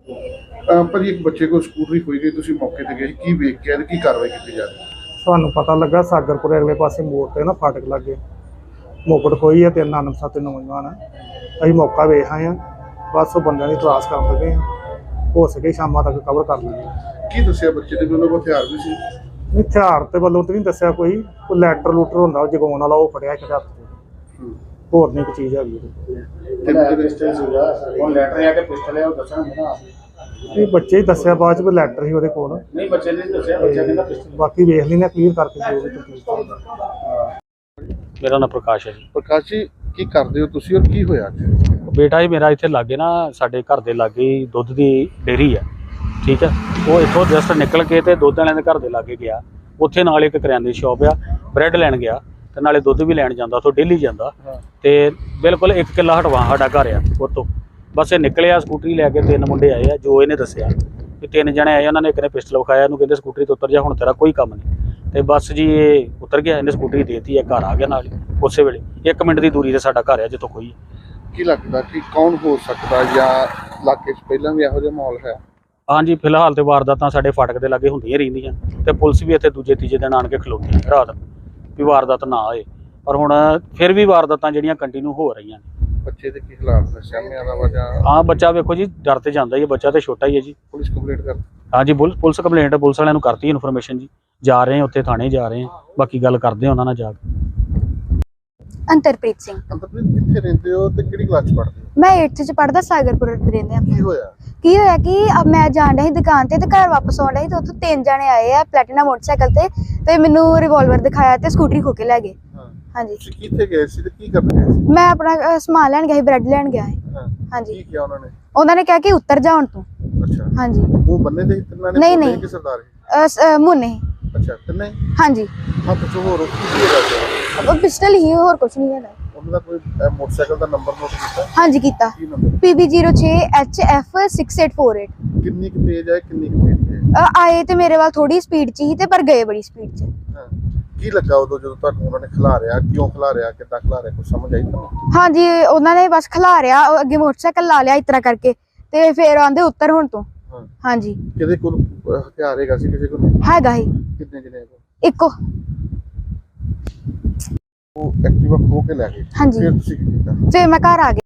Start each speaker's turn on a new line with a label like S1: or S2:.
S1: ਭਾਜੀ ਇੱਕ ਬੱਚੇ ਕੋਲ ਸਕੂਟਰੀ ਖੋਈ ਗਈ, ਤੁਸੀਂ ਮੌਕੇ ਤੇ ਗਏ, ਕੀ ਵੇਖ ਕੇ ਆਏ, ਕੀ ਕਾਰਵਾਈ ਕੀਤੀ ਜਾ ਰਹੀ ਹੈ?
S2: ਸਾਨੂੰ ਪਤਾ ਲੱਗਾ ਸਾਗਰਪੁਰ ਅਗਲੇ ਪਾਸੇ ਮੋੜ ਤੇ ਨਾ ਫਾਟਕ ਲੱਗੇ ਮੋਕੜ ਖੋਈ ਹੈ, 3 ਅਣਪਛਾਤੇ ਨੌਜਵਾਨ ਆ। ਅਸੀਂ ਮੌਕਾ ਵੇਖ ਆਏ ਹਾਂ, ਬਸ ਉਹ ਬੰਦਿਆਂ ਦੀ ਤਲਾਸ਼ ਕਰਨ ਲੱਗੇ ਹਾਂ। ਹੋ ਸਕੇ ਸ਼ਾਮਾਂ ਤੱਕ ਕਵਰ ਕਰ ਲਵਾਂਗੇ।
S1: ਕੀ ਦੱਸਿਆ ਬੱਚੇ ਦੇ ਵੱਲੋਂ? ਹਥਿਆਰ ਵੀ ਸੀ?
S2: ਹਥਿਆਰ ਤੇ ਵੱਲੋਂ ਤੇ ਨਹੀਂ ਦੱਸਿਆ ਕੋਈ ਲੈਟਰ ਲੂਟਰ ਹੁੰਦਾ ਉਹ ਜਗਾਉਣ ਵਾਲਾ, ਉਹ ਫੜਿਆ ਇੱਕ ਹੱਥ 'ਚ, ਹੋਰ ਨਹੀਂ ਕੋਈ ਚੀਜ਼ ਹੈਗੀ। ਇਹ ਬੱਚੇ ਹੀ ਦੱਸਿਆ ਬਾਅਦ ਚ ਵੀ ਲੈਟਰ ਸੀ ਉਹਦੇ ਕੋਲ। ਨਹੀਂ ਬੱਚੇ ਨੇ ਦੱਸਿਆ, ਬੱਚਾ ਕਹਿੰਦਾ ਪਿਸਟਲ। ਬਾਕੀ ਵੇਖ ਲੈਣਾ ਕਲੀਅਰ ਕਰਕੇ ਜੋ ਵੀ ਤਕਲੀਫ ਹੁੰਦਾ।
S3: ਮੇਰਾ ਨਾਮ ਪ੍ਰਕਾਸ਼ ਹੈ ਜੀ।
S1: ਪ੍ਰਕਾਸ਼ ਜੀ, ਕੀ ਕਰਦੇ ਹੋ ਤੁਸੀਂ ਔਰ ਕੀ ਹੋਇਆ?
S3: ਬੇਟਾ ਜੀ ਮੇਰਾ ਇੱਥੇ ਲਾਗੇ ਨਾ, ਸਾਡੇ ਘਰ ਦੇ ਲਾਗੇ ਹੀ ਦੁੱਧ ਦੀ ਡੇਅਰੀ ਹੈ, ਠੀਕ ਹੈ। ਉਹ ਇੱਥੋਂ ਜਸਟ ਨਿਕਲ ਕੇ ਤੇ ਦੁੱਧ ਵਾਲਿਆਂ ਦੇ ਘਰ ਦੇ ਲਾਗੇ ਗਿਆ। ਉੱਥੇ ਨਾਲ ਇੱਕ ਕਰਿਆਨੇ ਦੀ ਸ਼ੌਪ ਆ, ਬ੍ਰੈਡ ਲੈਣ ਗਿਆ ਤੇ ਨਾਲੇ ਦੁੱਧ ਵੀ ਲੈਣ ਜਾਂਦਾ, ਉੱਥੋਂ ਡੇਲੀ ਜਾਂਦਾ। ਤੇ ਬਿਲਕੁਲ 1 ਕਿੱਲਾ ਹਟਵਾ ਸਾਡਾ ਘਰ ਆ ਉੱਥੋਂ। ਬਸ ਇਹ ਨਿਕਲਿਆ ਸਕੂਟਰੀ ਲੈ ਕੇ, 3 ਮੁੰਡੇ ਆਏ ਆ, ਜੋ ਇਹਨੇ ਦੱਸਿਆ ਵੀ 3 ਜਣੇ ਆਏ। ਉਹਨਾਂ ਨੇ ਇੱਕ ਨੇ ਪਿਸਟਲ ਵਿਖਾਇਆ, ਇਹਨੂੰ ਕਹਿੰਦੇ ਸਕੂਟਰੀ ਤੋਂ ਉਤਰ ਜਾ, ਹੁਣ ਤੇਰਾ ਕੋਈ ਕੰਮ ਨਹੀਂ। ਤੇ ਬਸ ਜੀ ਇਹ ਉਤਰ ਗਿਆ, ਇਹਨੇ ਸਕੂਟਰੀ ਦੇਤੀ ਹੈ, ਘਰ ਆ ਗਿਆ ਨਾਲ ਹੀ ਉਸੇ ਵੇਲੇ। 1 ਮਿੰਟ ਦੀ ਦੂਰੀ ਤੇ ਸਾਡਾ ਘਰ ਆ ਜਿੱਥੋਂ ਕੋਈ।
S1: ਕੀ ਲੱਗਦਾ ਕਿ ਕੌਣ ਹੋ ਸਕਦਾ, ਜਾਂ ਇਲਾਕੇ 'ਚ ਪਹਿਲਾਂ ਵੀ ਇਹੋ ਜਿਹਾ ਮਾਹੌਲ ਹੈ?
S3: ਹਾਂਜੀ, ਫਿਲਹਾਲ ਤੇ ਵਾਰਦਾਤਾਂ ਸਾਡੇ ਫਾਟਕ ਦੇ ਲਾਗੇ ਹੁੰਦੀਆਂ ਰਹਿੰਦੀਆਂ, ਤੇ ਪੁਲਿਸ ਵੀ ਇੱਥੇ ਦੂਜੇ ਤੀਜੇ ਦਿਨ ਆਣ ਕੇ ਖਲੋਤੀ ਹੈ ਰਾਤ, ਵੀ ਵਾਰਦਾਤ ਨਾ ਆਏ। ਪਰ ਹੁਣ ਫਿਰ ਵੀ ਵਾਰਦਾਤਾਂ ਜਿਹੜੀਆਂ ਕੰਟੀਨਿਊ ਹੋ ਰਹੀਆਂ ਨੇ।
S1: ਬੱਚੇ ਦੇ ਕੀ ਹਾਲਾਤ ਨੇ? ਸਾਹਮਣੇ ਆਲਾ ਵਾ ਜਾਂ?
S3: ਹਾਂ, ਬੱਚਾ ਵੇਖੋ ਜੀ ਡਰ ਤੇ ਜਾਂਦਾ ਹੀ ਹੈ, ਬੱਚਾ ਤੇ ਛੋਟਾ ਹੀ ਹੈ ਜੀ।
S1: ਪੁਲਿਸ ਕੰਪਲੇਂਟ ਕਰ?
S3: ਹਾਂਜੀ, ਪੁਲਿਸ ਕੰਪਲੇਂਟ ਪੁਲਿਸ ਵਾਲਿਆਂ ਨੂੰ ਕਰਤੀ ਇਨਫੋਰਮੇਸ਼ਨ ਜੀ। ਜਾ ਰਹੇ ਹਾਂ ਉੱਥੇ ਥਾਣੇ ਜਾ ਰਹੇ ਹਾਂ, ਬਾਕੀ ਗੱਲ ਕਰਦੇ ਹਾਂ ਉਹਨਾਂ ਨਾਲ ਜਾ ਕੇ।
S4: ਅੰਤਰਪ੍ਰੀਤ ਸਿੰਘ।
S1: ਅੰਤਰਪ੍ਰੀਤ, ਕਿੱਥੇ ਰਹਿੰਦੇ ਹੋ ਤੇ ਕਿਹੜੀ ਕਲਾਸ 'ਚ ਪੜ੍ਹਦੇ ਹੋ?
S4: ਮੈਂ 8th ਚ ਪੜ੍ਹਦਾ, ਸਾਗਰਪੁਰ ਰਹਿੰਦੇ ਆ।
S1: ਕੀ ਹੋਇਆ?
S4: ਕੀ ਹੋਇਆ ਕਿ ਮੈਂ ਜਾਣ ਡਈ ਸੀ ਦੁਕਾਨ ਤੇ ਘਰ ਵਾਪਸ ਆਉਣ ਡਈ ਤੇ ਉੱਥੋਂ 3 ਜਣੇ ਆਏ ਆ ਪਲੈਟੀਨਾ ਮੋਟਰਸਾਈਕਲ ਤੇ ਮੈਨੂੰ ਰਿਵਾਲਵਰ ਦਿਖਾਇਆ ਤੇ ਸਕੂਟਰੀ ਖੋ ਕੇ ਲੈ ਗਏ। ਹਾਂਜੀ।
S1: ਤੁਸੀਂ ਕਿੱਥੇ ਗਏ ਸੀ ਤੇ ਕੀ ਕਰਨ ਗਏ ਸੀ?
S4: ਮੈਂ ਆਪਣਾ ਸਮਾਨ ਲੈਣ ਗਿਆ ਸੀ, ਬ੍ਰੈਡ ਲੈਣ ਗਿਆ ਸੀ। ਹਾਂਜੀ।
S1: ਕੀ ਕਿਹਾ ਉਹਨਾਂ ਨੇ?
S4: ਉਹਨਾਂ ਨੇ ਕਿਹਾ ਕਿ ਉੱਤਰ ਜਾ ਹੁਣ ਤੂੰ।
S1: ਅੱਛਾ।
S4: ਹਾਂਜੀ।
S1: ਉਹ ਬੰਨੇ ਦੇ ਤਿੰਨਾਂ ਨੇ?
S4: ਨਹੀਂ
S1: ਕਿ ਸਰਦਾਰ?
S4: ਮੁੰਨੇ।
S1: ਅੱਛਾ, ਤਿੰਨੇ?
S4: ਹਾਂਜੀ।
S1: ਹੱਥ 'ਚ ਹੋਰ ਕੀ ਹੈਗਾ?
S4: ਉਹ ਪਿਸਟਲ ਹੀ, ਹੋਰ ਕੁਝ ਨਹੀਂ ਹੈਗਾ।
S1: ਉਹਨਾਂ ਦਾ ਕੋਈ ਮੋਟਰਸਾਈਕਲ ਦਾ ਨੰਬਰ ਨੋਟ ਕੀਤਾ?
S4: ਹਾਂਜੀ ਕੀਤਾ।
S1: ਕੀ ਨੰਬਰ?
S4: PB06HF6848।
S1: ਕਿੰਨੀ ਕੁ ਤੇਜ਼ ਹੈ, ਕਿੰਨੀ ਕੁ ਤੇਜ਼ ਹੈ?
S4: ਆਏ ਤੇ ਮੇਰੇ ਵੱਲ ਥੋੜੀ ਸਪੀਡ 'ਚ ਹੀ ਤੇ ਪਰ ਗਏ ਬੜੀ ਸਪੀਡ 'ਚ।
S1: ਕੀ ਲੱਗਾ ਉਦੋਂ ਜਦੋਂ ਤੁਹਾਨੂੰ ਉਹਨਾਂ ਨੇ ਖਿਲਾਰਿਆ? ਕਿਉਂ ਖਿਲਾਰਿਆ, ਕਿੱਦਾਂ ਖਿਲਾਰਿਆ, ਕੁਝ ਸਮਝ ਆਈ ਤੁਹਾਨੂੰ?
S4: ਹਾਂਜੀ, ਉਹਨਾਂ ਨੇ ਬਸ ਖਿਲਾਰਿਆ, ਅੱਗੇ ਮੋਟਰਸਾਈਕਲ ਲਾ ਲਿਆ ਇਸ ਤਰ੍ਹਾਂ ਕਰਕੇ ਤੇ ਫਿਰ ਆਂਦੇ ਉੱਤਰ ਹੁਣ ਤੋਂ। ਹਾਂਜੀ।
S1: ਕਿਹਦੇ ਕੋਲ ਹਥਿਆਰ ਹੈਗਾ ਸੀ? ਕਿਸੇ ਕੋਲ
S4: ਹੈਗਾ ਹੀ।
S1: ਕਿੰਨੇ ਜਣੇ?
S4: ਇੱਕੋ।
S1: ਉਹ ਐਕਟਿਵਾ ਖੋ ਕੇ ਲੈ ਗਏ?
S4: ਹਾਂਜੀ।
S1: ਫਿਰ ਤੁਸੀਂ ਕੀ ਕੀਤਾ?
S4: ਫਿਰ ਮੈਂ ਘਰ ਆ ਗਈ।